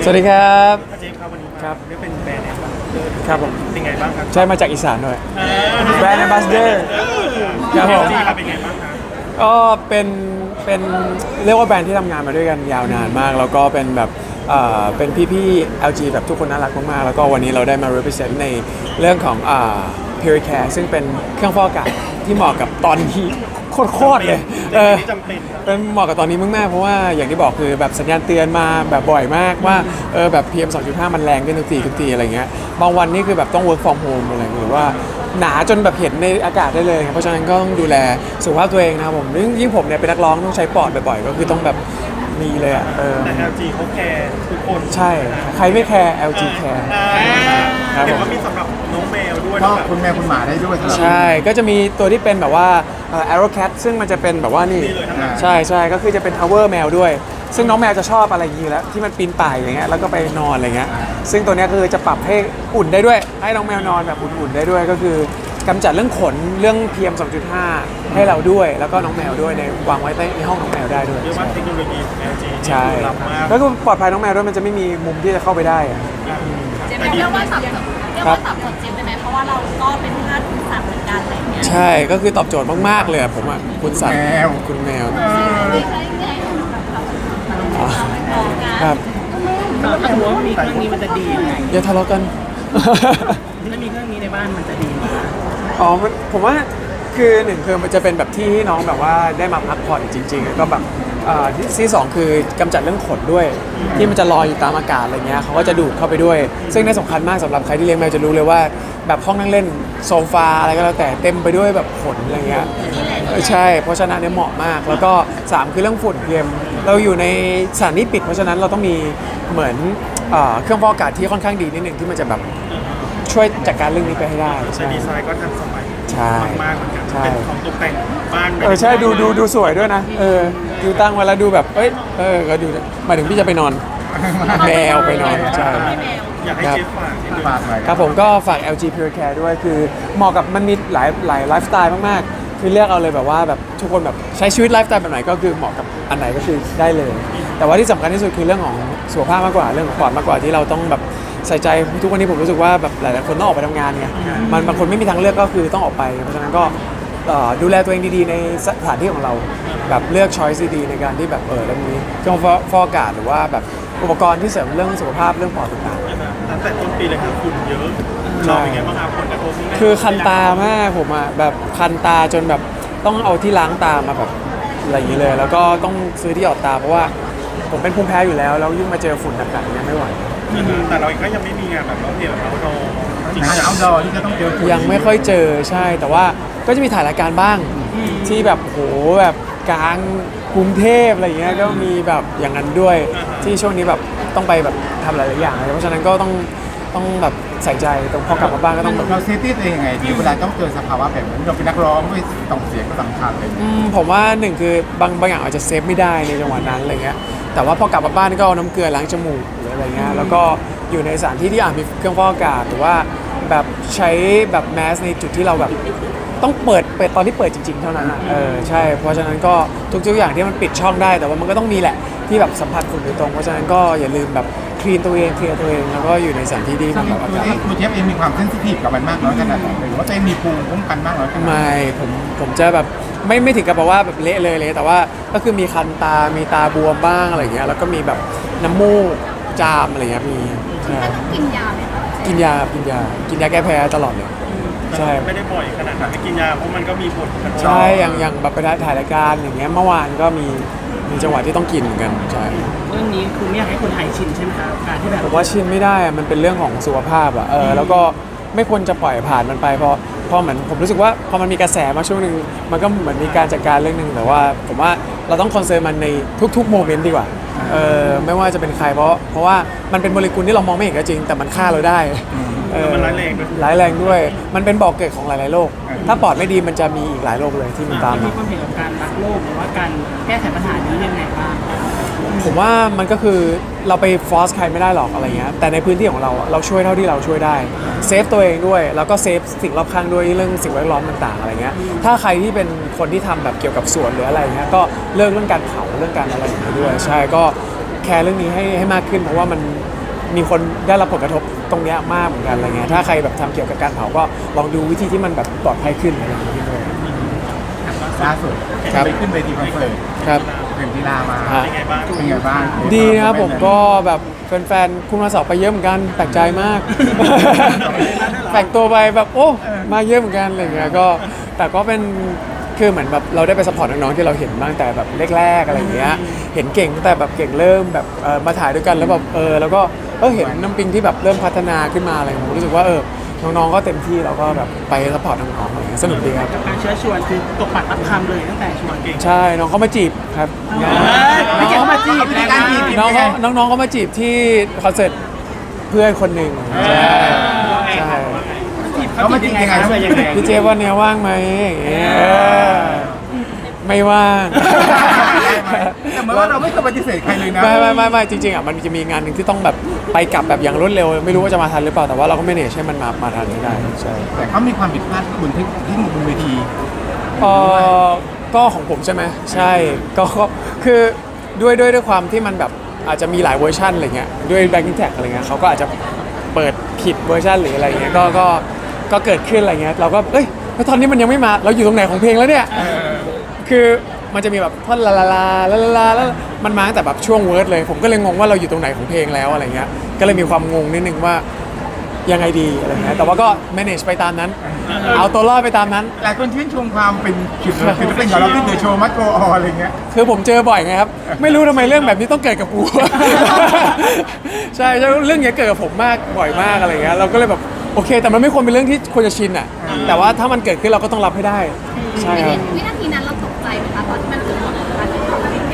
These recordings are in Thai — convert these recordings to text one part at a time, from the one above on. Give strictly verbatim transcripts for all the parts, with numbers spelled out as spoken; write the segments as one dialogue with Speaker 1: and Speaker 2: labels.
Speaker 1: สวัสดีครับ
Speaker 2: อาเจมส์ครับวันนี้
Speaker 1: ครับ
Speaker 2: ได้เป็นแบรนด์แอมบาสเดอร์
Speaker 1: ครับผม
Speaker 2: เป็นไงบ้างครับ
Speaker 1: ใช่มาจากอีสานด้วยแบรนด์ Ambassador ค
Speaker 2: ค
Speaker 1: รั
Speaker 2: รั
Speaker 1: บบ ผ
Speaker 2: ผม มครับเป็นไงบ้างครับ
Speaker 1: ก็เป็นเป็นเรียกว่าแบรนด์ที่ทำงานมาด้วยกันยาวนานมาก แล้วก็เป็นแบบเอ่อเป็นพี่ๆ แอล จี แบบทุกคนน่ารักมากๆแล้วก็วันนี้เราได้มา represent ในเรื่องของอ่า Puricare ซึ่งเป็นเครื่องฟอกอากาศที่เหมาะกับตอนนี้โคตรๆเลยเออ
Speaker 2: จำเป็นครับ
Speaker 1: เป็นเหมาะกับตอนนี้มากๆเพราะว่าอย่างที่บอกคือแบบสัญญาณเตือนมาแบบบ่อยมากว่าเออแบบ พี เอ็ม สองจุดห้า มันแรงขึ้นทุกทีทุกทีอะไรเงี้ยบางวันนี่คือแบบต้อง work from home อะไรหรือว่าหนาจนแบบเห็นในอากาศได้เลยครับเพราะฉะนั้นก็ต้องดูแลสุขภาพตัวเองนะครับผมยิ่งยิ่งผมเนี่ยเป็นนักร้องต้องใช้ปอดบ่อยๆก็คือต้องแบบมีเลยอ่ะเออ
Speaker 2: แต่ แอล จี เขาแคร์ทุกคน
Speaker 1: ใช่ใครไม่แคร์ แอล จี แคร์
Speaker 2: อ่า
Speaker 1: ครับผม
Speaker 2: เห็นว่ามีสำหรับน้องแมวด้วย
Speaker 3: ก็
Speaker 2: นะแบบ
Speaker 3: คุณแม่คุณหมาได้ด้วยสำหรับ
Speaker 1: ใช่ ก็จะมีตัวที่เป็นแบบว่าเอ่อ Arrow Cat ซึ่งมันจะเป็นแบบว่านี่
Speaker 2: นี่เลยทั้งนั้น
Speaker 1: ใช่ใช่ก็คือจะเป็น Tower แมวด้วย ซึ่งน้องแมวจะชอบอะไรอย่างนี้อยู่แล้วที่มันปีนป่ายอย่างเงี้ยแล้วก็ไปนอนอะไรเงี้ยซึ่งตัวเนี้ยคือจะปรับให้อุ่นได้ด้วย ให้น้องแมวนอนแบบอุ่นๆได้ด้วย ก็คือกำจัดเรื่องขนเรื่อง พี เอ็ม สองจุดห้า ให้เราด้วย แล้วก็น้องแมวด้วยในวางไว้ในห้องน้องแมวได้ด้วย
Speaker 2: เรียกว่าเทคโนโลยีของ แอล จี
Speaker 1: ใช่
Speaker 2: ล้ำมาก
Speaker 1: แล้วก็ปลอดภัยน้องแมวด้วยมันจะไม่มีมุมที่จะเข้าไปได้อะ
Speaker 4: เจมส์เรียกว่าสับสนเรียกว่าสับสนเจมส์ได้ไหมเพราะว่าเราก็เป็นทาสคุณสัตว์เหมือนกันอะไรอย่างเงี้ย
Speaker 1: ใช่ก็คือตอบโจทย์มากๆเลยอะผมอ่ะคุณสัตว์คุณแมว
Speaker 4: ไม่ใช่ไงแบบเราเราไม่มองนะครับ
Speaker 5: ถ้าถือว่ามีเครื่องนี้มันจะดียังไง
Speaker 1: อย่าทะเลาะกัน
Speaker 5: ถ้ามีเครื่องนี้ในบ้านมันจะดีไหม
Speaker 1: อ๋อมันผมว่าคือหนึ่งคือมันจะเป็นแบบที่ให้น้องแบบว่าได้มาพักผ่อนจริงๆแล้วก็แบบเอ่อที่ที่สองคือกำจัดเรื่องขนด้วย ที่มันจะลอยอยู่ตามอากาศอะไรเงี้ยเขาก็จะดูดเข้าไปด้วย ซึ่งน่าสำคัญมากสำหรับใครที่เลี้ยงแมวจะรู้เลยว่าแบบห้องนั่งเล่นโซฟาอะไรก็แล้วแต่เต็มไปด้วยแบบขนอะไรเงี้ยเออใช่เพราะฉะนั้นเนี่ยเหมาะมาก แล้วก็สามคือเรื่องฝุ่นเพียมเราอยู่ในสถานที่ปิดเพราะฉะนั้นเราต้องมีเหมือนเอ่อเครื่องฟอกอากาศที่ค่อนข้างดีนิดหนึ่งที่มันจะแบบช่วยจัดการเรื่องนี้ไปให้ได้
Speaker 2: แต่
Speaker 1: ใช่
Speaker 2: ดีไซน์ก็ทันสมัย
Speaker 1: ใช่
Speaker 2: มากๆเหมือนกัน
Speaker 1: ใช่
Speaker 2: เป็นของตกแต่งบ้าน
Speaker 1: เออใช่ดูดูดูสวยด้วยนะเออดูตั้งไว้แล้วดูแบบเอ้ยเออก็ดูหมายถึงพี่จะไปนอนแมวไปนอนใช่
Speaker 2: อยากให้เจฟฝากนิดนึง
Speaker 3: ฝากหน่อย
Speaker 1: ครับผมก็ฝาก แอล จี Pure Care ด้วยคือเหมาะกับมันมีหลายหลายไลฟ์สไตล์มากๆ คือเลือกเอาเลยแบบว่าแบบทุกคนแบบใช้ชีวิตไลฟ์สไตล์แบบไหนก็คือเหมาะกับอันไหนก็คือได้เลย แต่ว่าที่สำคัญที่สุดคือเรื่องของสุขภาพมากกว่าเรื่องของปอดมากกว่าที่เราต้องแบบใส่ใจทุกวันนี้ผมรู้สึกว่าแบบหลายๆคนต้องออกไปทำงานไงมันบางคนไม่มีทางเลือกก็คือต้องออกไปเพราะฉะนั้นก็เอ่อดูแลตัวเองดีๆในสถานที่ของเราแบบเลือกช้อยส์ดีๆในการที่แบบเออแล้วมีเครื่องฟอกอากาศหรือว่าแบบอุปกรณ์ที่เสริมเรื่องสุขภาพเรื่องปอดต่างๆ
Speaker 2: ตั้งแต่ต้นปีเลยครับฝุ่นเยอะเราเป็นไงบ้างครับผลกระทบที่
Speaker 1: คือคันตามากผมอ่ะแบบคันตาจนแบบต้องเอาที่ล้างตามาแบบอะไรอย่างนี้เลย แล้วก็ต้องซื้อที่หยอดตาเพราะว่าผมเป็นภูมิแพ้อยู่แล้วแล้วยิ่งมาเจอฝุ่นหนักๆเนี่ยไม่ไหว
Speaker 2: แต่เราเองก็ยังไม่มีงานแบบเราเพลแบบเราโดจริง
Speaker 3: งานเอาดอที่จะต้องเจอฝุ่น
Speaker 1: ยังไม่ค่อยเจอใช่ แต่ว่าก็จะมีถ่ายรายการบ้างที่แบบโหแบบกลางกรุงเทพอะไรอย่างเงี้ยก็มีแบบอย่างนั้นด้วยที่ช่วงนี้แบบต้องไปแบบทำหลายๆอย่างเลยเพราะฉะนั้นก็ต้องต้องแบบใส่ใจตรงพอกลับมาบ้านก็ต้องแบบ
Speaker 3: เราเซฟตี้ตัวเองยังไงดีเวลาต้องเจอสภาวะแบบนี้เราเป็นนักร้องด้วยต่องเสียงก็สำคัญเลย
Speaker 1: อืมผมว่าหนึ่งคือบางบางอย่างอาจจะเซฟไม่ได้ในจังหวะนั้นอะไรเงี้ยแต่ว่าพอกลับมาบ้านก็เอาน้ำเกลือล้างจมูกหรืออะไรเงี้ยแล้วก็อยู่ในสถานที่ที่อาจมีเครื่องฟอกอากาศหรือว่าแบบใช้แบบแมสในจุดที่เราแบบต้องเปิดเปิดตอนที่เปิดจริง ๆ เท่านั้นอ่ะเออใช่เพราะฉะนั้นก็ทุกๆอย่างที่มันปิดช่องได้ แต่ว่ามันก็ต้องมีแหละที่แบบสัมผัสฝุ่นโดยตรงเพราะฉะนั้นก็อย่าลืมแบบคลีนตัวเองเคลียร์ตัวเองแล้วก็อยู่ในสถานที่ที่มันแบบอา
Speaker 3: ตัว
Speaker 1: กาศ
Speaker 3: เองตัวเจฟเองมีความเซนซิทีฟกับมันมากน้อยขนาดไหนหรือว่าตัวเองมีภูมิคุ้มกันมากน้อยขนาดไหน
Speaker 1: ไม่ผมผมจะแบบไม่ไม่ถึงกับแบบว่าแบบเละเลยเลยแต่ว่าก็คือมีคันตา มีตาบวมบ้างอะไรเงี้ยแล้วก็มีแบบน้ำมูกจามอะไรเงี้ยมีใช่
Speaker 4: ต้องกินยาไหมคะ
Speaker 1: กินยากินยากินยาแก้แพ้ตลอดเลยใช่
Speaker 2: ไม่ได้บ่อยขนาดนั้นไม่กินยาเพราะมันก็มีผลกระทบ
Speaker 1: ใช่อย่างอย่างแบบไปถ่ายรายการอย่างเงี้ยเมื่อวานก็มีมีจังหวะที่ต้องกินเหมือนกันใช่
Speaker 5: เรื่องนี้คือไม่อยากให้คนไทยชินใช่ไหมครับการที่แบบ
Speaker 1: ผมว่าชินไม่ได้อะมันเป็นเรื่องของสุขภาพอะเออแล้วก็ไม่ควรจะปล่อยผ่านมันไปเพราะเพราะเหมือนผมรู้สึกว่าพอมันมีกระแสมาช่วงหนึ่งมันก็เหมือนมีการจัดการเรื่องหนึ่งแต่ว่าผมว่าเราต้องคอนเซิร์นมันในทุกๆโมเมนต์ดีกว่าเออไม่ว่าจะเป็นใครเพราะเพราะว่ามันเป็นโมเลกุลที่เรามองไม่เห็นก็จริง แต่มันฆ่าเราได้เออ
Speaker 2: มันร้ายแรงด้วย
Speaker 1: ร้ายแรงด้วย มันเป็นบ่อกเกิดของหลายๆโรคถ้าปอดไม่ดีมันจะมีอีกหลายโรคเลยที่มันตาม
Speaker 5: มี
Speaker 1: มา
Speaker 5: ความเห็นกับการรักโลกหรือว่าการแก้ไขปัญหานี้ยังไงบ้าง
Speaker 1: ผมว่ามันก็คือเราไปฟอร์สใครไม่ได้หรอกอะไรเงี้ยแต่ในพื้นที่ของเราอะเราช่วยเท่าที่เราช่วยได้เซฟตัวเองด้วยแล้วก็เซฟสิ่งรอบข้างด้วยเรื่องสิ่งแวดล้อมต่างๆอะไรเงี้ยถ้าใครที่เป็นคนที่ทำแบบเกี่ยวกับสวนหรืออะไรเงี้ยก็เลิกเรื่องการเผาเรื่องการอะไรอย่างเงี้ยด้วยใช่ก็แคร์เรื่องนี้ให้ให้มากขึ้นเพราะว่ามันมีคนได้รับผลกระทบตรงเนี้ยมากเหมือนกันอะไรเงี้ยถ้าใครแบบทำเกี่ยวกับการเผาก็ลองดูวิธีที่มันแบบปลอดภัยขึ้นอะไรอย่างเงี้ยด้วย
Speaker 3: ล่าสุด
Speaker 1: ครับ
Speaker 3: ไปขึ้นเวทีคอนเสิร์ต
Speaker 1: ครับ
Speaker 3: เป็นกีฬามา
Speaker 1: ฮะ
Speaker 2: เป็นไงบ้าง
Speaker 3: เป็นไงบ้าง
Speaker 1: ดีนะครับผมก็แบบแฟนๆคุณมาสอบไปเยอะเหมือนกันแปลกใจมาก แต่งตัวไปแบบโอ้มาเยอะเหมือนกันอะไรเงี้ยก็แต่ก็เป็นคือเหมือนแบบเราได้ไปสปอร์ตน้องๆที่เราเห็นมาตั้งแต่แบบแรกๆอะไรเงี้ยเห็นเก่งตั้งแต่แบบเก่งเริ่มแบบเออมาถ่ายด้วยกันแล้วแบบเออแล้วก็เออเห็นน้ำปิงที่แบบเริ่มพัฒนาขึ้นมาอะไรผมรู้สึกว่าเออน้องๆก็เต็มที่แล้วก็แบบไปสปอร์ตน้องๆอะไรเงี้ยสนุกดีครับ
Speaker 5: กับการเชื้อชวนคือตกปากรับคำเลยตั้งแต่ชวนเก่ง
Speaker 1: ใช่น้องเขามาจีบครับ
Speaker 5: ไม่เก่งเขามาจีบ
Speaker 3: วิธีการจีบ
Speaker 1: น้องเขาน้องๆเขามาจีบที่คอนเสิร์ตเพื่อนคนหนึ่งใช่ใช่
Speaker 3: เขามาจีบยังไง
Speaker 5: เขายังไง
Speaker 1: พี่เจฟวันเนี้ยว่างไหมอย่างเงี้ยเออไม่ว่าง
Speaker 3: แต่เหมือนว่าเราไม่เคยปฏิเสธใครเลยนะ
Speaker 1: ไม่ไม่ไม่ไม่จริงๆอ่ะมันจะมีงานหนึ่งที่ต้องแบบไปกลับแบบอย่างรวดเร็ว ไม่รู้ว่าจะมาทันหรือเปล่าแต่ว่าเราก็ไม่เนชให้มันมามาทันให้ได้ใช่
Speaker 3: แต่เขามีความผิดพลาดที่บนที่ที่บนเวที
Speaker 1: เออก็ของผมใช่ไหมใช่ก็ก็คือด้วยด้วยด้วยความที่มันแบบอาจจะมีหลายเวอร์ชันอะไรเงี้ยด้วย backing tag อะไรเงี้ยเขาก็อาจจะเปิดผิดเวอร์ชันหรืออะไรเงี้ยก็ก็ก็เกิดขึ้นอะไรเงี้ยเราก็เอ้ยแล้วตอนนี้มันยังไม่มาเราอยู่ตรงไหนของเพลงแล้วเนี่ย คือมันจะมีแบบท่อนลาลาลาลาลาลาแล้วมันมาตั้งแต่แบบช่วงเวิร์ดเลย ผมก็เลยงงว่าเราอยู่ตรงไหนของเพลงแล้วอะไรเงี้ยก็เลยมีความงงนิดนึงว่ายังไงดีอะไรเงี้ยแต่ว่าก็ manage ไปตามนั้น เอาตัวรอดไปตามนั้น
Speaker 3: หลายคนชื่นชมความเป็นศิลปินศิลปินของเราที่เดอะโชว์มัตโกออะไรเงี้ย
Speaker 1: คือผมเจอบ่อยไงครับ ไม่รู้ทำไมเรื่องแบบนี้ต้องเกิดกับกู ใช่ใช่เรื่องเนี้ยเกิดกับผมมากบ่อยมากอะไรเงี้ยเราก็เลยแบบโอเค แต่มันไม่ควรเป็นเรื่องที่ควรจะชินอ่ะแต่ว่าถ้ามันเกิดขึ้นเราก็ต้องรับให้ได้ใช่ครับ
Speaker 4: วินาทีนั้นเราตกใจไหมคะตอนที่มันเกิดเหตุการณ์นี้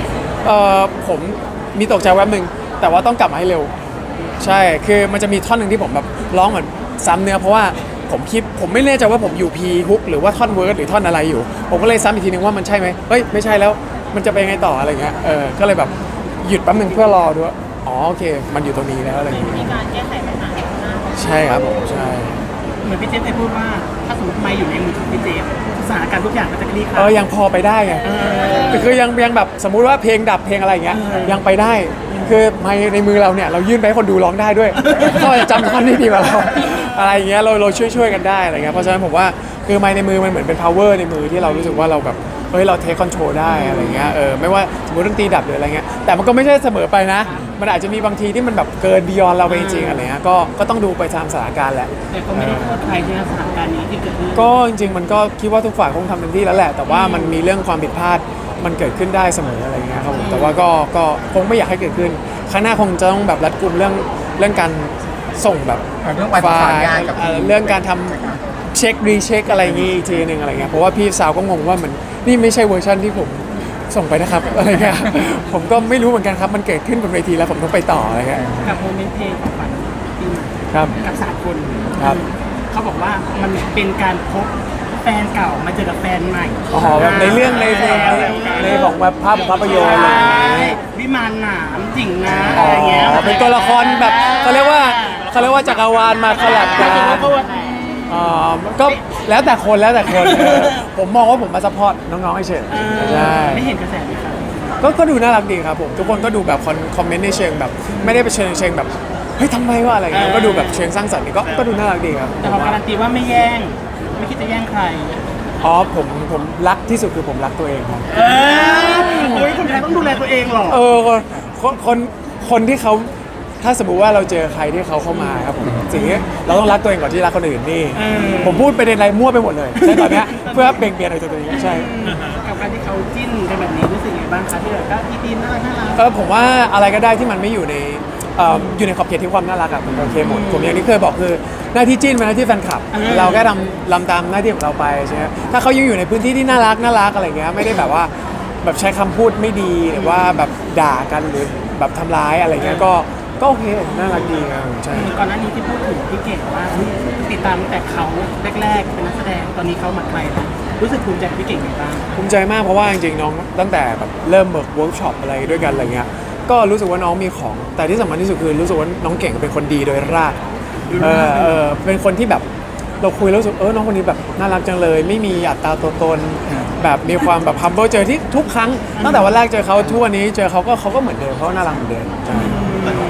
Speaker 1: เอ่อผมมีตกใจแวบหนึ่งแต่ว่าต้องกลับมาให้เร็ว ใช่คือมันจะมีท่อนหนึ่งที่ผมแบบร้องเหมือนซ้ำเนื้อเพราะว่าผมคิดผมไม่แน่ใจว่าผมอยู่พีฮุกหรือว่าท่อนเวิร์ดหรือท่อนอะไรอยู่ ผมก็เลยซ้ำอีกทีนึงว่ามันใช่ไหมเฮ้ยไม่ใช่แล้วมันจะไปยังไงต่ออะไรเงี้ยเออก็เลยแบบหยุดแป๊บหนึงเพื่อรอด้วยอ๋อโอเค มันอยู่ตรงนี้แล้วอะไรอย่าง
Speaker 4: มี
Speaker 1: เงี้ย
Speaker 4: การแก้ไขปัญหาหน้า
Speaker 1: ใช่ครับผมใช่
Speaker 5: เหมือนพี่เจฟเคยพูดว่าถ้าสมมติไม่อยู่ในมือของพี่เจฟสถานการณ์ทุกอย่างมันจะคลี่ค
Speaker 1: เอ
Speaker 5: ลา
Speaker 1: อย ยังพอไปได้ไงคือคือยังยังแบบสมมุติว่าเพลงดับเพลงอะไรอย่างเงี้ยยังไปได้ คือไมค์ในมือเราเนี่ยเรายื่นไปให้คนดูร้องได้ด้วยเขาจะจำท่อนนี้ดีกว่าเราอะไรอย่างเงี้ยเราเราช่วยช่วยกันได้อะไรเงี้ยเพราะฉะนั้นผมว่าคือไมค์ในมือมันเหมือนเป็น power ในมือที่เรารู้สึกว่าเราแบบเฮ้ยเราเทคคอนโทรลได้อะไรเงี้ยเออไม่ว่าสมมติดนตรีดับหรืออะไรเงี้ยแต่มันก็ไม่ใช่เสมอไปนะ มันอาจจะมีบางทีที่มันแบบเกิน beyond เราไปจริงๆอะไรเงี้ยก็ก็ต้องดูไปตามสถานการณ์แหละ
Speaker 5: แต่ก็ไม่ได้โทษใครในสถานการณ์นี้ที่เกิดขึ้น
Speaker 1: ก็จริงๆมันก็คิดว่าทุกฝ่ายคงทำเต็มที่แล้วแหละ แต่ว่ามันมีเรื่องความผิดพลาดมันเกิดขึ้นได้เสมออะไรเงี้ยครับผมแต่ว่าก็ก็คงไม่อยากให้เกิดขึ้นครั้งหน้าคงจะต้องแบบรัดกุมเรื่องเรื่องการส่งแบบ
Speaker 3: เรื่องประสานงานกับ
Speaker 1: เอ่อเรื่องการทำเช็ครีเช็คอะไรอย่างงี้อีกทีหนึ่งอะไรเงี้ยเพราะว่าพี่สาวก็งงว่ามันนี่ไม่ใช่เวอร์ชันที่ผมส่งไปนะครับ อะไรเงี้ยผมก็ไม่รู้เหมือนกันครับมันเกิดขึ้นบนเวทีแล้วผมต้องไปต่ออะไรเงี้ย
Speaker 5: กับโมเมนต์เพลงของฝันปีใหม่
Speaker 1: ครับ
Speaker 5: กับสามคน
Speaker 1: ครับ
Speaker 5: เขาบอกว่ามันเป็นการพบแฟนเก่ามาเจอกับแฟนใหม่
Speaker 1: อ๋อแบบในเรื่องในในในในของแบบภาพภาพยนตร์อะไรอย่างเงี้ย
Speaker 5: วิมานหนามจิ่งนะ
Speaker 1: อ๋
Speaker 5: อะ
Speaker 1: อ
Speaker 5: ไรเงี้ย
Speaker 1: เป็นตัวละครแบบเขาเรียกว่าเขาเรียกว่าจักรวาลมาคอลแลบกัน
Speaker 5: เพราะว่า
Speaker 1: อ๋อก็แล้วแต่คนแล้วแต่คนเออผมมองว่าผมมาซัพพอร์ตน้องๆให้เฉย
Speaker 5: เออ
Speaker 1: ใช่
Speaker 5: ไม่เห็นกระแสไหมครับ
Speaker 1: ก็ก็ดูน่ารักดีครับผมทุกคนก็ดูแบบคอนคอมเมนต์ในเชิงแบบ ไม่ได้ไปเชิงเชิงแบบเฮ้ยทำไมวะอะไรเงี้ยก็ดูแบบเชิงสร้างสรรค์นี่ก็ก็ดูน่ารักดีครับ
Speaker 5: แต่เขาการันตีว่าไม่แย่ง ไม่คิดจะแย่งใคร
Speaker 1: อ๋อผมผมรักที่สุดคือผมรักตัวเองครับ
Speaker 5: เออโอ้ยคนไทยต้องดูแลตัวเองหรอ
Speaker 1: เออคนคนคนคนที่เขาถ้าสมมุติว่าเราเจอใครที่เขาเข้ามาครับผมสิ่งนี้เราต้องรักตัวเองก่อนที่รักคนอื่นนี่
Speaker 5: เออ
Speaker 1: ผมพูดไปในอะไรมั่วไปหมดเลยใช่ตอนเนี้ยเพื่อเบ่งเบนอะไรตัวเองใช่
Speaker 5: กับการที่เขาจิ้นกันแบบนี้รู้สึกยังไงบ้างคะที่แบบก็พี่ตีนน่ารักน่ารัก
Speaker 1: เออผมว่าอะไรก็ได้ที่มันไม่อยู่ในเอ่ออยู่ในขอบเขตที่ความน่ารักอะมันโอเคหมดผมอย่างที่เคยบอกคือหน้าที่จิ้นเป็นหน้าที่แฟนคลับ เราแค่ทำลำตามหน้าที่ของเราไปใช่ไหมถ้าเขายังอยู่ในพื้นที่ที่น่ารักน่ารักอะไรเงี้ยไม่ได้แบบว่าแบบใช้คำพูดไม่ดีหรือว่าแบบด่ากันหรือแบบทำร้ายอะไรเงี้ยก็ก็โอเคน่ารักดีครับใช่
Speaker 5: ก่อนหน้านี้ที่พูดถึงพี่เก่งว่าเฮ้ยติดตามตั้งแต่เขาแรกๆเป็นนักแสดงตอนนี้เขามาไกลแล้วรู้สึกภูมิใจกับพี่เก่งไงบ้าง
Speaker 1: ภูมิใจมากเพราะว่าจริงๆน้องตั้งแต่แบบเริ่มเบิร์กเวิร์กช็อปอะไรด้วยกันอะไรเงี้ยก็รู้สึกว่าน้องมีของ แต่ที่สำคัญที่สุดคือรู้สึกว่าน้องเก่งเป็นคนดีโดยรากเออเออเป็นคนที่แบบเราคุยแล้วรู้สึกเออน้องคนนี้แบบน่ารักจังเลย ไม่มีอัตราตัวตนแบบมีความแบบ humble เจอที่ทุกครั้งตั้งแต่วันแรกเจอเขาทุกวันนี้เจอเขาก็เขาก็เหมือนเดิมเขาก็น่ารักเหมือนเดิมใช่
Speaker 2: แต่ของเรา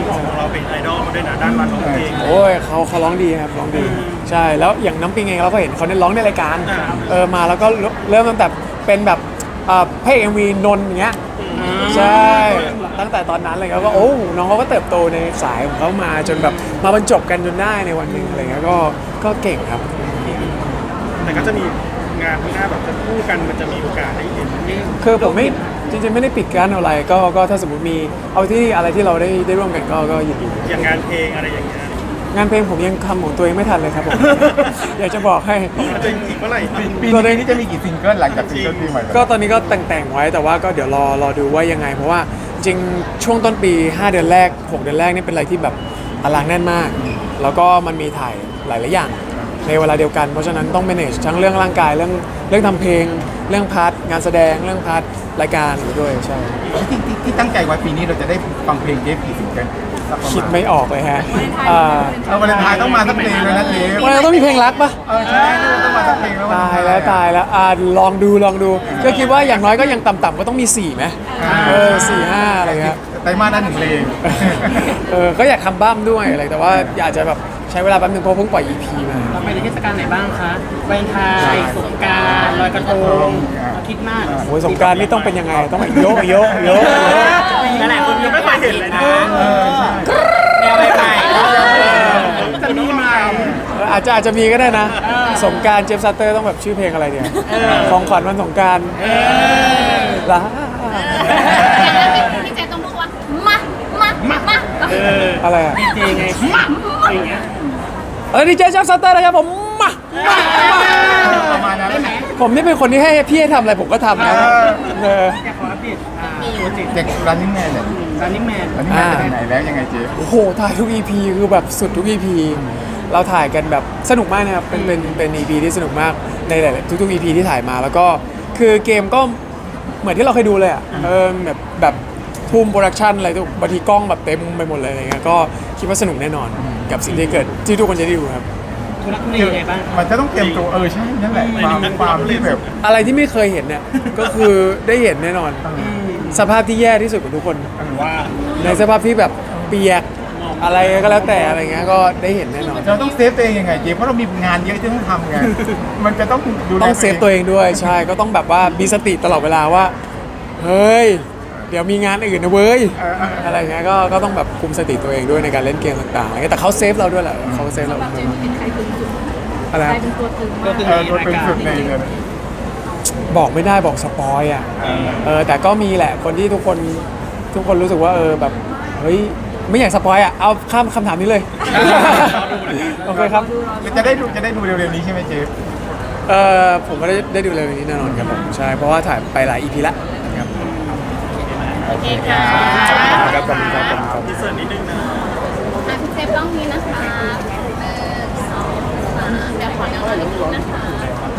Speaker 2: เป็นไอดอลด้วยนะด้านการร้องเพลง
Speaker 1: โอ้ยเขาเขาร้องดีครับร้องดีใช่แล้วอย่างน้ำปิงเองเราก็เห็นเขาเนี่ยร้องในรายการ
Speaker 2: อ่า
Speaker 1: เออมาแล้วก็เริ่มตั้งแต่เป็นแบบเอ่อพระเอกเอ็มวีนนท์อย่างเงี้ยใช่ตั้งแต่ตอนนั้นเลยครับก็โอ้น้องเขาก็เติบโตในสายของเขามาจนแบบมาบรรจบกันจนได้ในวันหนึ่งอะไรเงี้ยก็ก็เก่งครับ
Speaker 2: แต่ก็จะมีงานข้างหน้าแบบจะคู่กันมันจะมีโอกาสได้เห็น
Speaker 1: คือผมไม่จริงๆไม่ได้ปิดกั้นอะไรก็ก็ถ้าสมมติมีเอาที่อะไรที่เราได้ได้ร่วมกันก็ก็ยินดี
Speaker 2: อย่างงานเพลงอะไรอย่างเงี้ย
Speaker 1: งานเพลงผมยังทำของตัวเองไม่ทันเลยครับผม อยากจะบอกให้
Speaker 2: มันจะอีกเมื่อไหร่
Speaker 3: ปีนี้จะมีกี่ซิงเกิลหลังจากซิงเกิลปีใหม่
Speaker 1: ก็ตอนนี้ก็แต่งๆไว้แต่ว่าก็เดี๋ยวรอรอดูว่ายังไง เพราะว่าจริงๆช่วงต้นปี ห้า เดือนแรก หก เดือนแรกนี่เป็นอะไรที่แบบตารางแน่นมาก แล้วก็มันมีถ่ายหลายๆอย่างในเวลาเดียวกัน เพราะฉะนั้นต้อง manage ทั้งเรื่องร่างกายเรื่องเรื่องทำเพลง เรื่องพาร์ทงานแสดงเรื่องพาร์ทรายการด้วยใช่
Speaker 3: ที่ที่ที่ตั้งใจไว้ปีนี้เราจะได้ฟังเพลงเจฟกี่ซิงเกิลสักประมาณ
Speaker 1: คิดไม่ออกเลยฮะเอ่อ
Speaker 3: เออวันเลนไทน์ต้องมาสักเพลงเลยนะเจฟ
Speaker 1: วันนั้นต้องมีเพลงรักปะ
Speaker 3: เออใช่ต้องมาสักเพลงแล้ว
Speaker 1: ตายแล้วตายแล้วอ่าลองดูลองดูก็คิดว่าอย่างน้อยก็ยังต่ำๆก็ต้องมีสี่ไหมเออสี่ห้าอะไรเงี้ย
Speaker 3: ไตรมาสนั้นหนึ่งเพลง
Speaker 1: เออก็อยากทำบ้ามด้วยอะไรแต่ว่าอยากจะแบบใช้เวลาแป๊บนึงเพราะเพิ่งปล่อย อี พี มา
Speaker 5: เราไปในเทศกาลไหนบ้างคะวาเลนไทน์สงกรานต์ลอยกระทงเราคิดมาก
Speaker 1: โอ้ยสงกรารนี่ต้องเป็นยังไงต้องแบบโยกโยกโยก
Speaker 5: หลายๆคนยังไม่เคยเห็นเลยนะ
Speaker 3: เออใช่
Speaker 5: แนวใหม่ๆจะมีใหม่
Speaker 1: เอออาจจะอาจจะมีก็ได้นะ สงกรารเจฟซัตเตอร์ต้องแบบชื่อเพลงอะไรเนี่ยของขวัญวันสงกรารลา
Speaker 4: พี่เจต้องพูดว่ามามามามา
Speaker 1: อะไรอ่ะ
Speaker 5: ดีเจไงอย่างเงี้ย
Speaker 1: เออดีเจเจฟซัตเตอร์นะครับผมมามามา
Speaker 3: ประมาณนั้น
Speaker 1: ผมนี่เป็นคนที่ให้พี่ให้ทำอะไรผมก็ทำนะเออ
Speaker 5: อยากขออัปเดตอ่าโปรเจกต์
Speaker 3: เด็กรันนิ่งแมนเนี่ย
Speaker 5: Running Man
Speaker 3: รันนิ่งแมนจะไปไหนแล้วยังไงเจฟ
Speaker 1: โอ้โหถ่ายทุก อี พี คือแบบสุดทุก อี พี เราถ่ายกันแบบสนุกมากนะครับเป็นเป็นเป็น อี พี ที่สนุกมากในหลายๆทุกๆ อี พี ที่ถ่ายมาแล้วก็คือเกมก็เหมือนที่เราเคยดูเลยอ่ะเออแบบแบบทูมโปรดักชันอะไรทุกบางทีกล้องแบบเต็มไปหมดเลยอะไรเงี้ยก็คิดว่าสนุกแน่นอนกับสิ่งที่เกิดที่ทุกคนจะได้ดูครับ
Speaker 5: ทุลักทุเลยังไงบ้าง
Speaker 3: มันจะต้องเตรียมตัวเออใช่นั่นแหละความความที่แบบ
Speaker 1: อะไรที่ไม่เคยเห็นเนี่ย ก็คือได้เห็นแน่นอน สภาพที่แย่ที่สุดของทุกคน
Speaker 2: ว่า
Speaker 1: ในสภาพที่แบบเปียกอะไรก็แล้วแต่อะไรเงี้ยก็ได้เห็นแน่นอน
Speaker 3: เราต้องเซฟตัวเองยังไงเจฟเพราะเรามีงานเยอะที่ต้องทำไงมันจะต้องดูแล
Speaker 1: ต้องเซฟตัวเองด้วยใช่ก็ต้องแบบว่ามีสติตลอดเวลาว่า เฮ้ย เดี๋ยวมีงานอื่นนะเว้ย
Speaker 3: เออเออ
Speaker 1: อะไรเงี้ยก็ก็ต้องแบบคุมสติตัวเองด้วยในการเล่นเกมต่างๆอะไรเงี้ยแต่เขาเซฟเราด้วยแหละเขาเซฟเรา
Speaker 4: เจมเป็นใครตึงสุด
Speaker 1: อะไร
Speaker 4: ใค
Speaker 1: ค
Speaker 4: ร
Speaker 1: รับ
Speaker 4: เป็นตัวตึง
Speaker 5: ก็
Speaker 4: มาก
Speaker 5: คือ
Speaker 3: เออตัวเป็นสุดในเลย
Speaker 1: บอกไม่ได้บอกสปอยอ่ะเออแต่ก็มีแหละคนที่ทุกคนทุกคนรู้สึกว่าเออแบบเฮ้ยไม่อยากสปอยอ่ะเอาข้ามคำถามนี้เลย โอเคครับ
Speaker 3: จะได้ดูจะได้ดูเร็วๆนี้ใช่ไหมเจฟ
Speaker 1: เออผมก็ได้ได้ดูเลยวันนี้แน่นอนครับผมใช่เพราะว่าถ่ายไปหลาย อี พี ละครับ
Speaker 4: โอเคค่ะ
Speaker 1: ครับขอบคุณครับขอบคุณครับ
Speaker 2: พิเศษนิดนึงนะ
Speaker 4: อ่ะพี่เจต้องนี้นะคะหนึ่งสองสามเดี๋ยวขอแนวหน้านิดนึงนะคะ